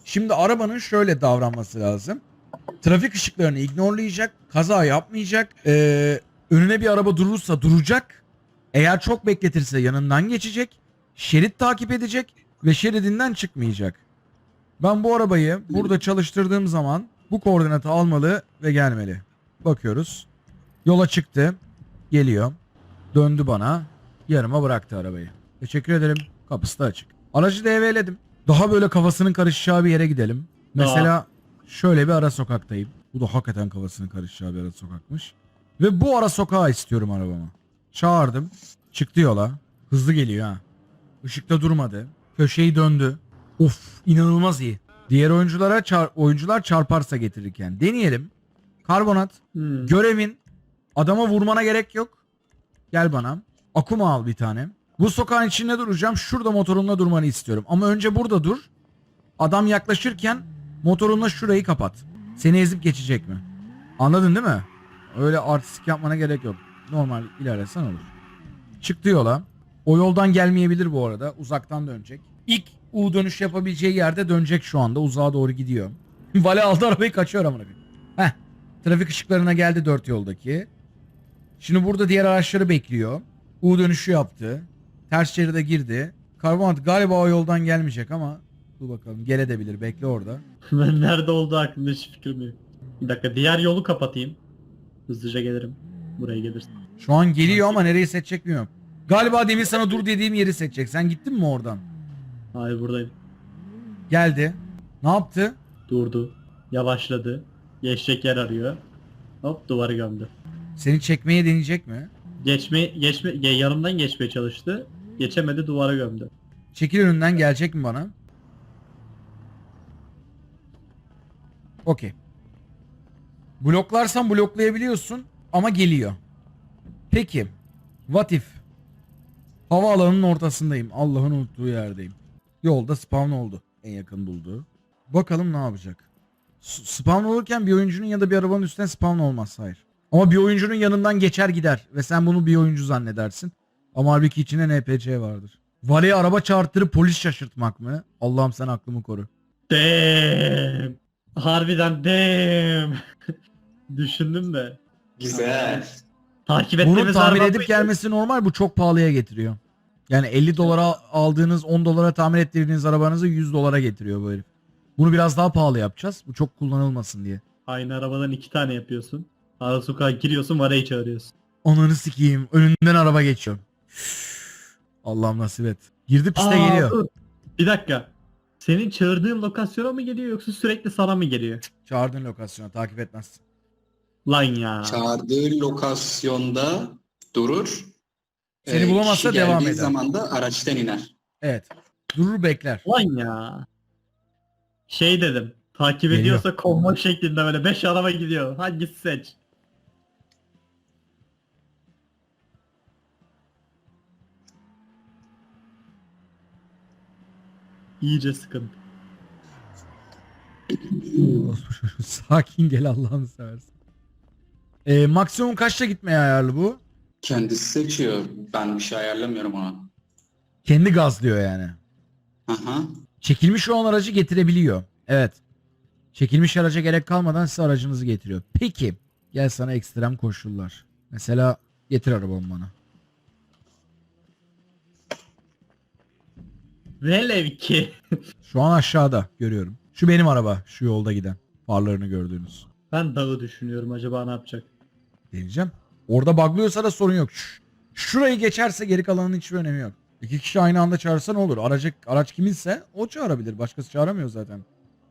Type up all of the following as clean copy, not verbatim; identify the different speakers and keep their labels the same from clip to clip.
Speaker 1: Şimdi arabanın şöyle davranması lazım. Trafik ışıklarını ignorlayacak, kaza yapmayacak. Önüne bir araba durursa duracak. Eğer çok bekletirse yanından geçecek. Şerit takip edecek ve şeridinden çıkmayacak. Ben bu arabayı burada çalıştırdığım zaman bu koordinatı almalı ve gelmeli. Bakıyoruz. Yola çıktı. Geliyor. Döndü bana. Yarıma bıraktı arabayı. Teşekkür ederim. Kapısı da açık. Aracı devreledim. Daha böyle kafasının karışacağı bir yere gidelim. Mesela şöyle bir ara sokaktayım. Bu da hakikaten kafasının karışacağı bir ara sokakmış. Ve bu ara sokağa istiyorum arabamı. Çağırdım. Çıktı yola. Hızlı geliyor ha. Işıkta durmadı. Köşeyi döndü. Of, inanılmaz iyi. Diğer oyuncular çarparsa getirirken. Deneyelim. Karbonat. Görevin adama vurmana gerek yok. Gel bana. Akuma al bir tane. Bu sokağın içinde duracağım. Şurada motorunla durmanı istiyorum. Ama önce burada dur. Adam yaklaşırken motorunla şurayı kapat. Seni ezip geçecek mi? Anladın değil mi? Öyle artistik yapmana gerek yok. Normal ilerlesen olur. Çıktı yola. O yoldan gelmeyebilir bu arada. Uzaktan dönecek. İlk U dönüş yapabileceği yerde dönecek şu anda. Uzağa doğru gidiyor. Vale aldı arabayı, kaçıyor amına koyayım. Heh. Trafik ışıklarına geldi dört yoldaki. Şimdi burada diğer araçları bekliyor. U dönüşü yaptı. Ters şeride girdi. Karbonat galiba o yoldan gelmeyecek ama dur bakalım, gelebilir, bekle orada.
Speaker 2: Ben nerede olduğu hakkında hiç fikrim yok. Bir dakika, diğer yolu kapatayım. Hızlıca gelirim. Buraya gelirsin.
Speaker 1: Şu an geliyor ama nereyi seçecek bilmiyorum. Galiba demin sana dur dediğim yeri seçecek. Sen gittin mi oradan?
Speaker 2: Hayır, buradayım.
Speaker 1: Geldi. Ne yaptı?
Speaker 2: Durdu. Yavaşladı. Geçecek yer arıyor. Hop, duvarı gömdü.
Speaker 1: Seni çekmeye deneyecek mi?
Speaker 2: Yanımdan geçmeye çalıştı. Geçemedi, duvara gömdü.
Speaker 1: Çekil önünden, gelecek mi bana? Okey. Bloklarsan bloklayabiliyorsun ama geliyor. Peki. What if? Havaalanının ortasındayım. Allah'ın unuttuğu yerdeyim. Yolda spawn oldu. En yakın bulduğu. Bakalım ne yapacak? Spawn olurken bir oyuncunun ya da bir arabanın üstüne spawn olmaz. Hayır. Ama bir oyuncunun yanından geçer gider. Ve sen bunu bir oyuncu zannedersin. Ama halbuki içinde NPC vardır. Valeye araba çarptırıp polis şaşırtmak mı? Allah'ım sen aklımı koru.
Speaker 2: Damn. Harbiden damn. Düşündüm de.
Speaker 3: Güzel.
Speaker 2: Takip
Speaker 1: Bunu
Speaker 2: ettiğimiz
Speaker 1: tamir
Speaker 2: araba
Speaker 1: edip gelmesi normal. Bu çok pahalıya getiriyor. Yani 50 dolara aldığınız, 10 dolara tamir ettirdiğiniz arabanızı 100 dolara getiriyor bu herif. Bunu biraz daha pahalı yapacağız. Bu çok kullanılmasın diye.
Speaker 2: Aynı arabadan 2 tane yapıyorsun. Ara sokağa giriyorsun, varayı çağırıyorsun.
Speaker 1: Ananı sikeyim. Önünden araba geçiyor. Allah'ım nasip et. Girdi piste geliyor.
Speaker 2: Dur. Bir dakika. Senin çağırdığın lokasyona mı geliyor yoksa sürekli sana mı geliyor?
Speaker 1: Çağırdığın lokasyona takip etmezsin.
Speaker 2: Lan ya.
Speaker 3: Çağırdığı lokasyonda durur.
Speaker 1: Seni bulamazsa
Speaker 3: Kişi
Speaker 1: devam
Speaker 3: geldiği
Speaker 1: eder.
Speaker 3: zaman da araçtan iner.
Speaker 1: Evet. Durur bekler.
Speaker 2: Lan ya. Şey dedim. Takip
Speaker 1: Geliyor.
Speaker 2: ediyorsa konvoy şeklinde böyle 5 araba gidiyor. Hangisi seç? İyice sıkıntı.
Speaker 1: Sakin gel Allah'ını seversen. Maksimum kaçta gitmeye ayarlı bu?
Speaker 3: Kendisi seçiyor. Ben bir şey ayarlamıyorum ona.
Speaker 1: Kendi gazlıyor yani.
Speaker 3: Aha.
Speaker 1: Çekilmiş olan aracı getirebiliyor. Evet. Çekilmiş araca gerek kalmadan size aracınızı getiriyor. Peki. Gel sana ekstrem koşullar. Mesela getir arabamı bana.
Speaker 2: Velev ki.
Speaker 1: Şu an aşağıda görüyorum. Şu benim araba. Şu yolda giden. Farlarını gördüğünüz.
Speaker 2: Ben dağı düşünüyorum, acaba ne yapacak?
Speaker 1: Deneyeceğim. Orada buglıyorsa da sorun yok. Şurayı geçerse geri kalanın hiçbir önemi yok. İki kişi aynı anda çağırsa ne olur? Araç kiminse o çağırabilir. Başkası çağıramıyor zaten.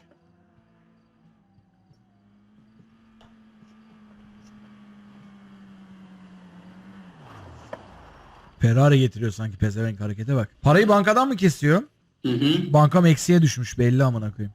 Speaker 1: Ferrari getiriyor sanki, pezevenk harekete bak. Parayı bankadan mı kesiyor?
Speaker 3: Hı hı.
Speaker 1: Bankam eksiye düşmüş belli amına koyayım.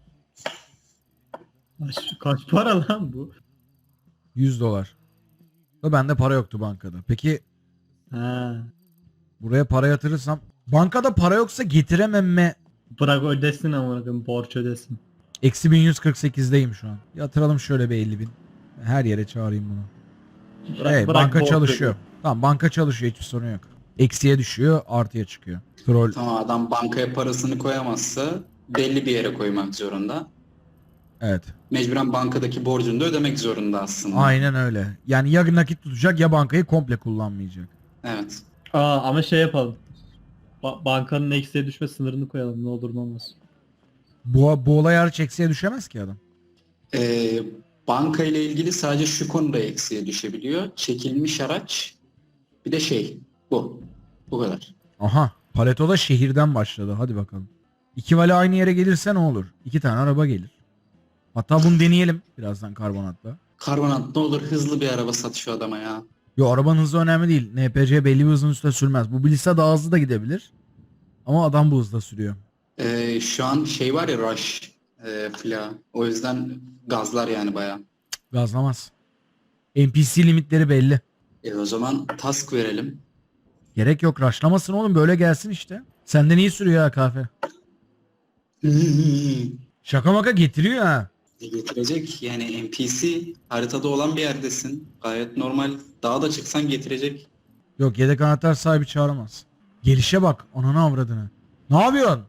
Speaker 2: Kaç para lan bu?
Speaker 1: 100 dolar. Ve bende para yoktu bankada. Peki
Speaker 2: Ha.
Speaker 1: buraya para yatırırsam, bankada para yoksa getirememe.
Speaker 2: Bırak ödesin ama borç ödesin.
Speaker 1: Eksi 1148'deyim şu an. Yatıralım şöyle bir 50.000. Her yere çağırayım bunu.
Speaker 2: Bırak
Speaker 1: Banka
Speaker 2: borç
Speaker 1: çalışıyor.
Speaker 2: ödesin.
Speaker 1: Tamam, banka çalışıyor, hiçbir sorun yok. Eksiye düşüyor, artıya çıkıyor. Troll.
Speaker 3: Tamam, adam bankaya parasını koyamazsa belli bir yere koymak zorunda.
Speaker 1: Evet.
Speaker 3: Mecburen bankadaki borcunu da ödemek zorunda aslında.
Speaker 1: Aynen öyle. Yani ya nakit tutacak ya bankayı komple kullanmayacak.
Speaker 3: Evet.
Speaker 2: Ama şey yapalım. Bankanın eksiye düşme sınırını koyalım, ne olur ne olmaz.
Speaker 1: Bu olay hariç eksiye düşemez ki adam.
Speaker 3: Ee, Banka ile ilgili sadece şu konuda eksiye düşebiliyor. Çekilmiş araç, bir de bu. Bu kadar.
Speaker 1: Aha. Paleto'da şehirden başladı. Hadi bakalım. İki vali aynı yere gelirse ne olur? 2 tane araba gelir. Hatta bunu deneyelim birazdan karbonatla.
Speaker 3: Karbonat ne olur hızlı bir araba sat şu adama ya.
Speaker 1: Yo, arabanın hızı önemli değil. NPC belli bir hızın üstüne sürmez. Bu bilse daha hızlı da gidebilir. Ama adam bu hızda sürüyor.
Speaker 3: Şu an var ya Rush fila. O yüzden gazlar yani bayağı.
Speaker 1: Gazlamaz. NPC limitleri belli.
Speaker 3: O zaman task verelim.
Speaker 1: Gerek yok, rushlamasın oğlum, böyle gelsin işte. Senden iyi sürüyor ha kahve. Şaka maka getiriyor ha.
Speaker 3: Getirecek yani NPC haritada olan bir yerdesin. Gayet normal. Dağa da çıksan getirecek.
Speaker 1: Yok, yedek anahtar sahibi çağıramaz. Gelişe bak, ananı avradını. Ne yapıyorsun?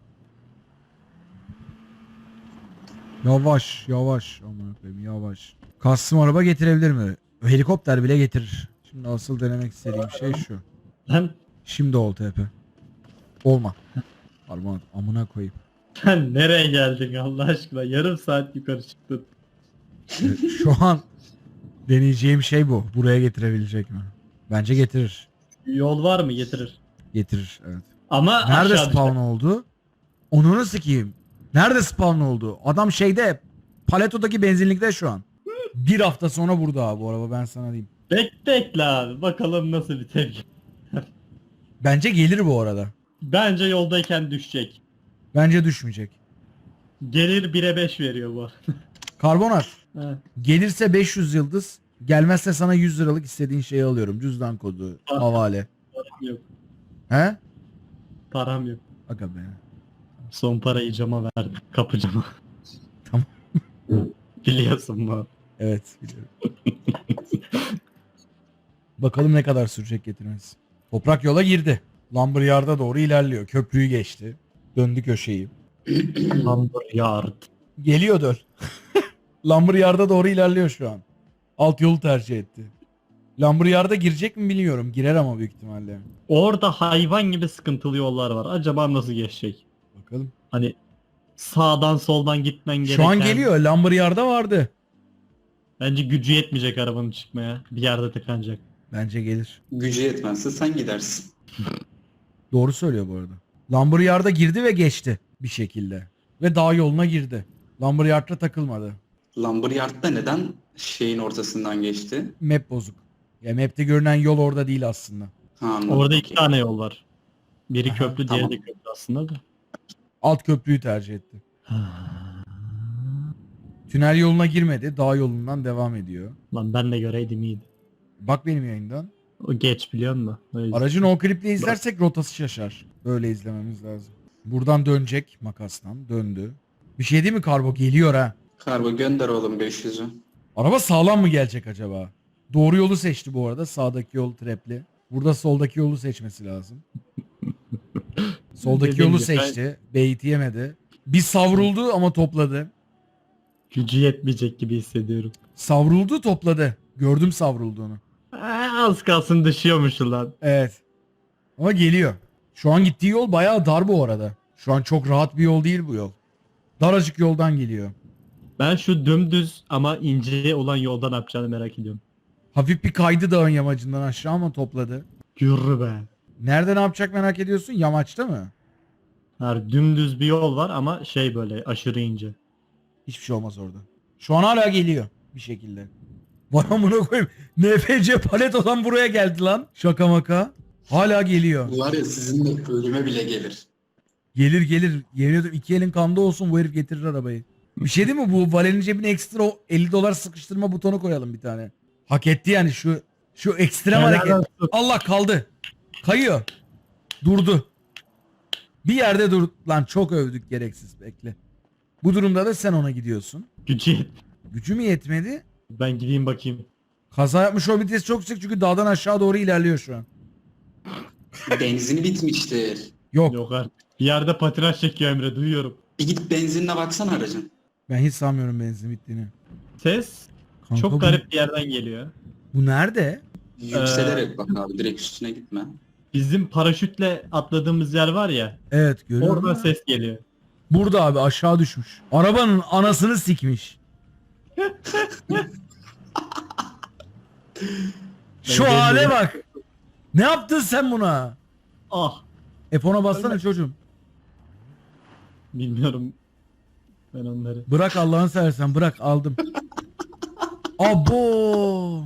Speaker 1: Yavaş yavaş, aman koyayım, yavaş. Custom araba getirebilir mi? Helikopter bile getirir. Şimdi asıl denemek istediğim şey şu.
Speaker 2: Lan
Speaker 1: Şimdi ol TP. Olma. Harman amına koyayım.
Speaker 2: sen nereye geldin Allah aşkına? Yarım saat yukarı çıktın.
Speaker 1: Şu an deneyeceğim şey bu. Buraya getirebilecek mi? Bence getirir.
Speaker 2: Yol var mı? Getirir.
Speaker 1: Getirir, evet.
Speaker 2: Ama
Speaker 1: Nerede
Speaker 2: aşağı
Speaker 1: spawn
Speaker 2: düşer.
Speaker 1: oldu? Onunu sikeyim. Nerede spawn oldu? Adam Paleto'daki benzinlikte şu an. Bir hafta sonra burada abi bu araba, ben sana diyeyim.
Speaker 2: Bekle abi. Bakalım nasıl bir tepki.
Speaker 1: Bence gelir bu arada.
Speaker 2: Bence yoldayken düşecek.
Speaker 1: Bence düşmeyecek.
Speaker 2: Gelir 1'e 5 veriyor bu.
Speaker 1: Karbonat.
Speaker 2: Ha,
Speaker 1: Gelirse 500 yıldız. Gelmezse sana 100 liralık istediğin şeyi alıyorum. Cüzdan kodu, havale.
Speaker 2: param yok.
Speaker 1: He?
Speaker 2: Param yok.
Speaker 1: Aga be.
Speaker 2: Son parayı cama verdim. Kapı cama.
Speaker 1: Tamam.
Speaker 2: Biliyorsun bu.
Speaker 1: Evet, biliyorum. Bakalım ne kadar sürecek getirmesi. Toprak yola girdi. Lumberyard'a doğru ilerliyor. Köprüyü geçti. Döndü köşeyi.
Speaker 2: Lumberyard.
Speaker 1: Geliyor döl. Lumberyard'a doğru ilerliyor şu an. Alt yolu tercih etti. Lumberyard'a girecek mi bilmiyorum. Girer ama büyük ihtimalle.
Speaker 2: Orada hayvan gibi sıkıntılı yollar var. Acaba nasıl geçecek?
Speaker 1: Bakalım.
Speaker 2: Hani sağdan soldan gitmen gereken.
Speaker 1: Şu an geliyor. Lumberyard'a vardı.
Speaker 2: Bence gücü yetmeyecek arabanın çıkmaya. Bir yerde tıkanacak.
Speaker 1: Bence gelir.
Speaker 3: Gücü yetmezse sen gidersin.
Speaker 1: Doğru söylüyor bu arada. Lumberyard'a girdi ve geçti bir şekilde. Ve dağ yoluna girdi. Lumberyard'la takılmadı.
Speaker 3: Lumberyard'da neden ortasından geçti?
Speaker 1: Map bozuk. Ya map'te görünen yol orada değil aslında.
Speaker 3: Ha, anladım.
Speaker 2: Orada 2 tane yol var. Biri
Speaker 1: Aha,
Speaker 2: köprü, diğeri
Speaker 3: tamam.
Speaker 2: de köprü aslında da.
Speaker 1: Alt köprüyü tercih etti. Tünel yoluna girmedi. Dağ yolundan devam ediyor.
Speaker 2: Lan ben de göreydim iyiydi.
Speaker 1: Bak benim yayından.
Speaker 2: O geç biliyor musun? O yüzden.
Speaker 1: Aracın o kliple izlersek rotası şaşar. Böyle izlememiz lazım. Buradan dönecek makastan. Döndü. Bir şey değil mi Karbo? Geliyor ha.
Speaker 3: Kargo gönder oğlum 500'ü.
Speaker 1: Araba sağlam mı gelecek acaba? Doğru yolu seçti bu arada. Sağdaki yol trapli. Burada soldaki yolu seçmesi lazım. Soldaki
Speaker 2: Dediğim
Speaker 1: yolu
Speaker 2: gibi
Speaker 1: seçti. Bait yemedi. Bir savruldu ama topladı.
Speaker 2: Gücü yetmeyecek gibi hissediyorum.
Speaker 1: Savruldu, topladı. Gördüm savrulduğunu.
Speaker 2: Az kalsın düşüyormuş lan.
Speaker 1: Evet. Ama geliyor. Şu an gittiği yol bayağı dar bu arada. Şu an çok rahat bir yol değil bu yol. Daracık yoldan geliyor.
Speaker 2: Ben şu dümdüz ama ince olan yoldan ne yapacağını merak ediyorum.
Speaker 1: Hafif bir kaydı dağın yamacından aşağı ama topladı.
Speaker 2: Yürü be.
Speaker 1: Nerede ne yapacak merak ediyorsun? Yamaçta mı?
Speaker 2: Her dümdüz bir yol var ama şey böyle aşırı ince.
Speaker 1: Hiçbir şey olmaz orada. Şu an hala geliyor bir şekilde. Vay amına koyayım. NFC Paleto'dan buraya geldi lan. Şaka maka. Hala geliyor.
Speaker 3: Bu var ya sizinle ölüme bile gelir.
Speaker 1: Gelir gelir. Yemin ediyorum 2 elin kanda olsun, bu herif getirir arabayı. Bir şey değil mi, bu Valen'in cebine ekstra o 50 dolar sıkıştırma butonu koyalım bir tane. Hak etti yani şu ekstrem
Speaker 2: Helal
Speaker 1: hareket.
Speaker 2: olsun.
Speaker 1: Allah, kaldı. Kayıyor. Durdu. Bir yerde dur. Lan çok övdük gereksiz, bekle. Bu durumda da sen ona gidiyorsun.
Speaker 2: Gücü yet.
Speaker 1: Gücü mü yetmedi?
Speaker 2: Ben gideyim bakayım.
Speaker 1: Kaza yapmış olabilitesi çok yüksek çünkü dağdan aşağı doğru ilerliyor şu an.
Speaker 3: Benzini bitmiştir.
Speaker 1: Yok.
Speaker 2: Yok artık. Bir yerde patinaj çekiyor Emre duyuyorum.
Speaker 3: Bir gidip benzinine baksana aracın.
Speaker 1: Ben hiç sanmıyorum benzin bittiğini.
Speaker 2: Ses
Speaker 1: Kanka
Speaker 2: çok garip bir yerden geliyor.
Speaker 1: Bu nerede?
Speaker 3: Yükselerek bak abi, direkt üstüne gitme.
Speaker 2: Bizim paraşütle atladığımız yer var ya.
Speaker 1: Evet görüyorum.
Speaker 2: Oradan ses geliyor.
Speaker 1: Burada abi aşağı düşmüş. Arabanın anasını sikmiş. Şu
Speaker 2: Ben
Speaker 1: hale
Speaker 2: geliyorum.
Speaker 1: bak. Ne yaptın sen buna?
Speaker 2: Ah.
Speaker 1: F10'a bassana çocuğum.
Speaker 2: Bilmiyorum. Ben onları.
Speaker 1: Bırak Allah'ını seversen bırak aldım. Abo.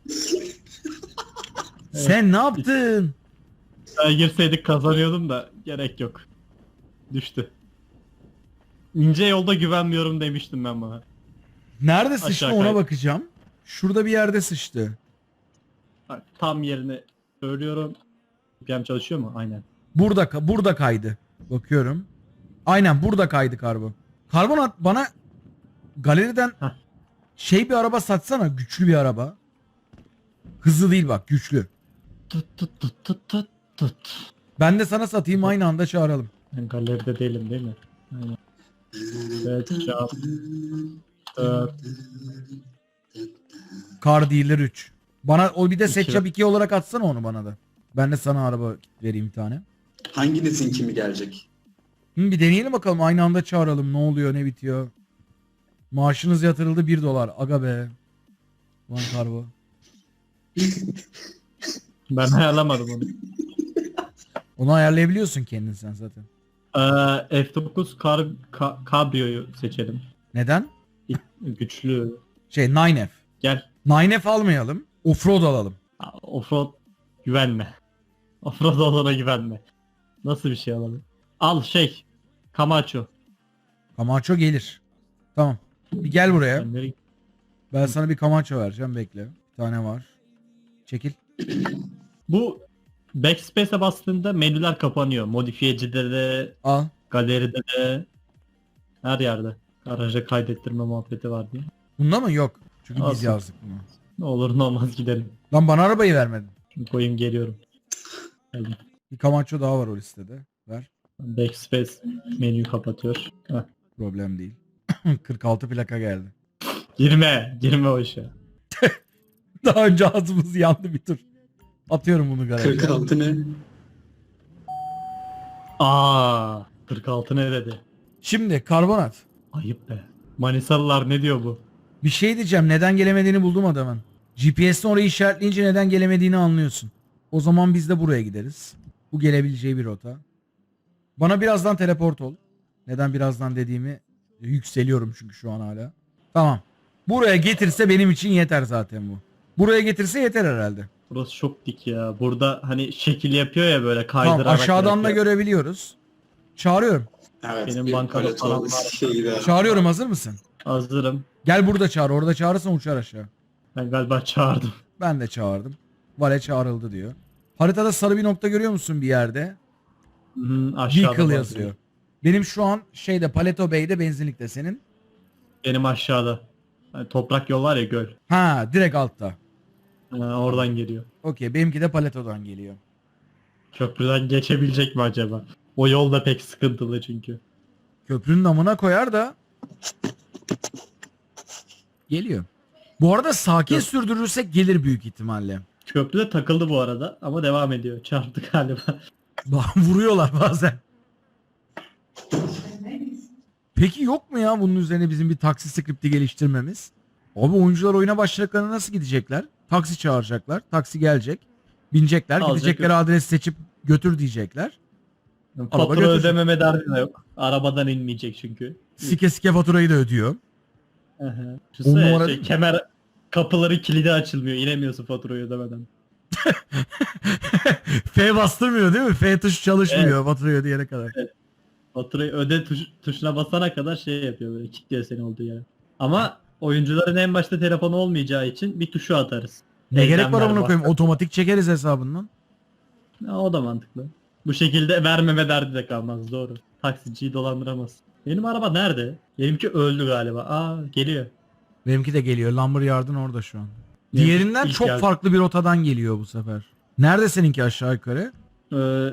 Speaker 1: Sen ne yaptın?
Speaker 2: Ben girseydik kazanıyordum da gerek yok. Düştü. İnce yolda güvenmiyorum demiştim ben bana.
Speaker 1: Nerede sıçtı
Speaker 2: Aşağı
Speaker 1: ona
Speaker 2: kay.
Speaker 1: bakacağım. Şurada bir yerde sıçtı.
Speaker 2: Bak, tam yerini söylüyorum. VPN çalışıyor mu? Aynen.
Speaker 1: Burada kaydı. Bakıyorum. Aynen burada kaydı Karbo. Karbonat bana galeriden
Speaker 2: Heh.
Speaker 1: bir araba satsana. Güçlü bir araba. Hızlı değil bak güçlü.
Speaker 2: Tut tut tut tut tut tut.
Speaker 1: Ben de sana satayım aynı anda çağıralım.
Speaker 2: Ben galeride değilim değil mi? Aynen. Evet, cevap. Evet.
Speaker 1: Car Dealer 3. Bana o bir de
Speaker 2: İki.
Speaker 1: Seçap 2 olarak atsana onu bana da. Ben de sana araba vereyim bir tane.
Speaker 3: Hanginizin kimi gelecek?
Speaker 1: Bir deneyelim bakalım aynı anda çağıralım. Ne oluyor ne bitiyor. Maaşınız yatırıldı $1. Aga be. Lan Karbo.
Speaker 2: Ben ayarlamadım onu.
Speaker 1: Onu ayarlayabiliyorsun kendin sen zaten.
Speaker 2: F9 Cabrio'yu seçelim.
Speaker 1: Neden?
Speaker 2: Güçlü.
Speaker 1: 9F.
Speaker 2: Gel.
Speaker 1: 9F almayalım. Offroad alalım.
Speaker 2: Offroad güvenme. Offroad olana güvenme. Nasıl bir şey alalım? Al Camacho.
Speaker 1: Camacho gelir. Tamam. Bir gel buraya.
Speaker 2: Ben
Speaker 1: Ben sana bir Camacho vereceğim bekle. Bir tane var. Çekil.
Speaker 2: Bu Backspace'e bastığında menüler kapanıyor. Modifiyecide de,
Speaker 1: Al.
Speaker 2: galeride de, her yerde. Garaja kaydettirme muhabbeti var diye.
Speaker 1: Bunda mı? Yok. Çünkü biz
Speaker 2: Olsun.
Speaker 1: yazdık bunu.
Speaker 2: Ne olur ne olmaz gidelim.
Speaker 1: Lan bana arabayı vermedin.
Speaker 2: Şimdi koyayım geliyorum. Geldim.
Speaker 1: Bir Camacho daha var o listede. Ver.
Speaker 2: Backspace menüyü kapatıyor. Heh.
Speaker 1: Problem değil. 46 plaka geldi.
Speaker 2: Girme o işe.
Speaker 1: Daha önce ağzımız yandı bir tur. Atıyorum bunu garaja.
Speaker 3: 46 ne?
Speaker 2: 46 ne dedi?
Speaker 1: Şimdi karbonat.
Speaker 2: Ayıp be. Manisalılar ne diyor bu?
Speaker 1: Bir şey diyeceğim. Neden gelemediğini buldum adamın. GPS'ten orayı işaretleyince neden gelemediğini anlıyorsun. O zaman biz de buraya gideriz. Bu gelebileceği bir rota. Bana birazdan teleport ol. Neden birazdan dediğimi yükseliyorum çünkü şu an hala. Tamam. Buraya getirse benim için yeter zaten bu. Buraya getirse yeter herhalde.
Speaker 2: Burası çok dik ya. Burada hani şekil yapıyor ya böyle
Speaker 1: Tamam
Speaker 2: kaydırarak.
Speaker 1: aşağıdan da
Speaker 2: yapıyor.
Speaker 1: görebiliyoruz. Çağırıyorum.
Speaker 3: Evet,
Speaker 2: Benim
Speaker 3: bir
Speaker 2: bankada
Speaker 3: palet
Speaker 2: param
Speaker 3: olmuş
Speaker 2: var.
Speaker 3: şeyde.
Speaker 1: Çağırıyorum hazır mısın?
Speaker 2: Hazırım.
Speaker 1: Gel burada çağır. Orada çağırırsan uçar aşağı.
Speaker 2: Ben galiba çağırdım.
Speaker 1: Ben de çağırdım. Vale çağrıldı diyor. Haritada sarı bir nokta görüyor musun bir yerde?
Speaker 2: Aşağıda
Speaker 1: Vehicle
Speaker 2: var.
Speaker 1: yazıyor. Benim şu an Paleto Bay'de benzinlikte senin.
Speaker 2: Benim aşağıda. Hani toprak yol var ya göl.
Speaker 1: Ha direkt altta.
Speaker 2: Oradan geliyor.
Speaker 1: Okey benimki de Paleto'dan geliyor.
Speaker 2: Köprüden geçebilecek mi acaba? O yol da pek sıkıntılı çünkü.
Speaker 1: Köprünün amına koyar da geliyor. Bu arada sakin
Speaker 2: Yok.
Speaker 1: sürdürürsek gelir büyük ihtimalle.
Speaker 2: Köprüde takıldı bu arada ama devam ediyor. Çarptı galiba.
Speaker 1: Vuruyorlar bazen. Peki yok mu ya bunun üzerine bizim bir taksi skripti geliştirmemiz? Abi oyuncular oyuna başladıklarında nasıl gidecekler? Taksi çağıracaklar. Taksi gelecek. Binecekler.
Speaker 2: Alacak,
Speaker 1: Gidecekleri adres seçip götür diyecekler.
Speaker 2: Fatura
Speaker 1: götürsün.
Speaker 2: ödememe derdi de yok. Arabadan inmeyecek çünkü.
Speaker 1: Sike sike faturayı da ödüyor.
Speaker 2: Aha.
Speaker 1: On numara
Speaker 2: Düşünsene
Speaker 1: değil mi?
Speaker 2: kemer kapıları kilidi açılmıyor. İnemiyorsun faturayı ödemeden.
Speaker 1: F bastırmıyor değil mi? F tuşu çalışmıyor faturayı ödeyene kadar.
Speaker 2: Faturayı öde tuşuna basana kadar yapıyor böyle kilitliyor seni olduğu yere. Ama oyuncuların en başta telefonu olmayacağı için bir tuşu atarız.
Speaker 1: Ne gerek var
Speaker 2: Eklemler
Speaker 1: amına koyayım? Otomatik çekeriz hesabından.
Speaker 2: Ha, o da mantıklı. Bu şekilde vermeme derdi de kalmaz doğru. Taksiciyi dolandıramaz. Benim araba nerede? Benimki öldü galiba. Geliyor.
Speaker 1: Benimki de geliyor. Lumberyard'ın orada şu an.
Speaker 2: Benimki
Speaker 1: Diğerinden
Speaker 2: ilk
Speaker 1: çok
Speaker 2: geldi.
Speaker 1: farklı bir rotadan geliyor bu sefer. Nerede seninki aşağı yukarı?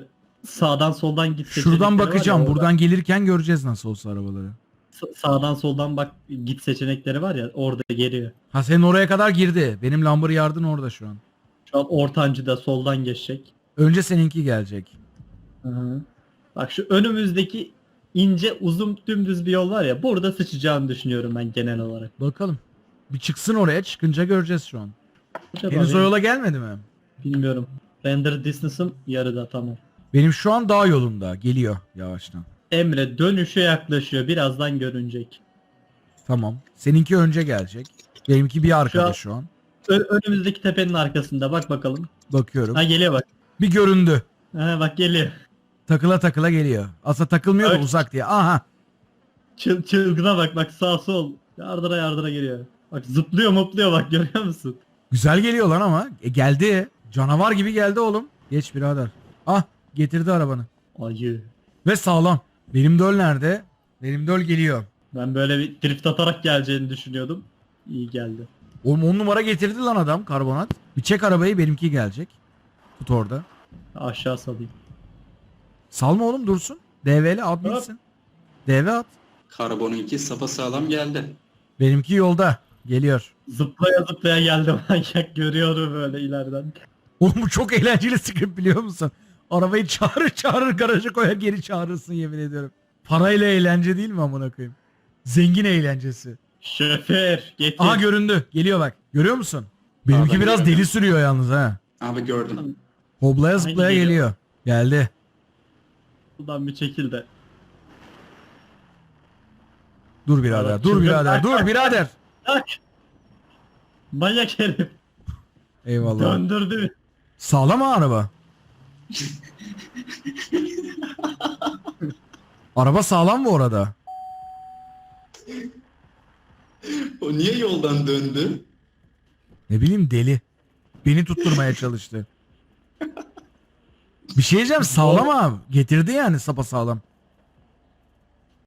Speaker 2: sağdan soldan git seçenekleri
Speaker 1: Şuradan
Speaker 2: var ya,
Speaker 1: bakacağım.
Speaker 2: orada.
Speaker 1: Buradan gelirken göreceğiz nasıl olsa arabaları.
Speaker 2: Sağdan soldan bak git seçenekleri var ya, orada geliyor.
Speaker 1: Ha senin oraya kadar girdi. Benim Lamborghini yardın orada şu an.
Speaker 2: Şu an ortancıda soldan geçecek.
Speaker 1: Önce seninki gelecek.
Speaker 2: Hı hı. Bak şu önümüzdeki ince uzun dümdüz bir yol var ya, burada sıçacağını düşünüyorum ben genel olarak.
Speaker 1: Bakalım. Bir çıksın oraya. Çıkınca göreceğiz şu an.
Speaker 2: Acaba
Speaker 1: Henüz o
Speaker 2: benim-
Speaker 1: yola gelmedi mi?
Speaker 2: Bilmiyorum. Render distance'ım yarıda, tamam.
Speaker 1: Benim şu an dağ yolunda. Geliyor yavaştan.
Speaker 2: Emre dönüşe yaklaşıyor. Birazdan görünecek.
Speaker 1: Tamam. Seninki önce gelecek. Benimki bir arkada
Speaker 2: an-
Speaker 1: şu an.
Speaker 2: Önümüzdeki tepenin arkasında bak bakalım.
Speaker 1: Bakıyorum.
Speaker 2: Ha geliyor bak.
Speaker 1: Bir göründü.
Speaker 2: Ha bak geliyor.
Speaker 1: Takıla takıla geliyor. Aslında takılmıyor da
Speaker 2: Evet.
Speaker 1: uzak diye. Aha.
Speaker 2: Çılgına bak bak, sağ sol. Yardıra yardıra geliyor. Bak zıplıyor mopluyor bak, görüyor musun?
Speaker 1: Güzel geliyor lan ama. Geldi. Canavar gibi geldi oğlum. Geç birader. Ah getirdi arabanı.
Speaker 2: Ayı.
Speaker 1: Ve sağlam. Benim döl nerede? Benim döl geliyor.
Speaker 2: Ben böyle bir drift atarak geleceğini düşünüyordum. İyi geldi.
Speaker 1: Oğlum 10 numara getirdi lan adam karbonat. Bir çek arabayı benimki gelecek. Tut orada.
Speaker 2: Aşağı salayım.
Speaker 1: Salma oğlum dursun. DV'li at bilsin. DV at.
Speaker 3: Karbonun 2 sapasağlam geldi.
Speaker 1: Benimki yolda. Geliyor.
Speaker 2: Zıplaya zıplaya geldi manyak, görüyorum böyle ileriden.
Speaker 1: Oğlum bu çok eğlenceli script biliyor musun? Arabayı çağırır çağırır garaja koyar geri çağırırsın yemin ediyorum. Parayla eğlence değil mi amına koyayım? Zengin eğlencesi.
Speaker 2: Şoför getir.
Speaker 1: Aha göründü. Geliyor bak. Görüyor musun? Benimki
Speaker 3: ben
Speaker 1: biraz
Speaker 3: görüyorum.
Speaker 1: deli sürüyor yalnız ha.
Speaker 3: Abi gördüm.
Speaker 1: Hoblaya zıplaya
Speaker 2: geliyor.
Speaker 1: geliyor. Geldi.
Speaker 2: Buradan bir çekil de.
Speaker 1: Dur birader.
Speaker 2: Evet,
Speaker 1: Dur
Speaker 2: çılgın.
Speaker 1: birader. Dur birader.
Speaker 2: Tak. Manyak herif.
Speaker 1: Eyvallah.
Speaker 2: Döndürdü.
Speaker 1: Sağlam mı araba? Araba sağlam mı orada?
Speaker 3: O niye yoldan döndü?
Speaker 1: Ne bileyim deli. Beni tutturmaya çalıştı. Bir şey diyeceğim sağlam abi. Getirdi yani sapasağlam.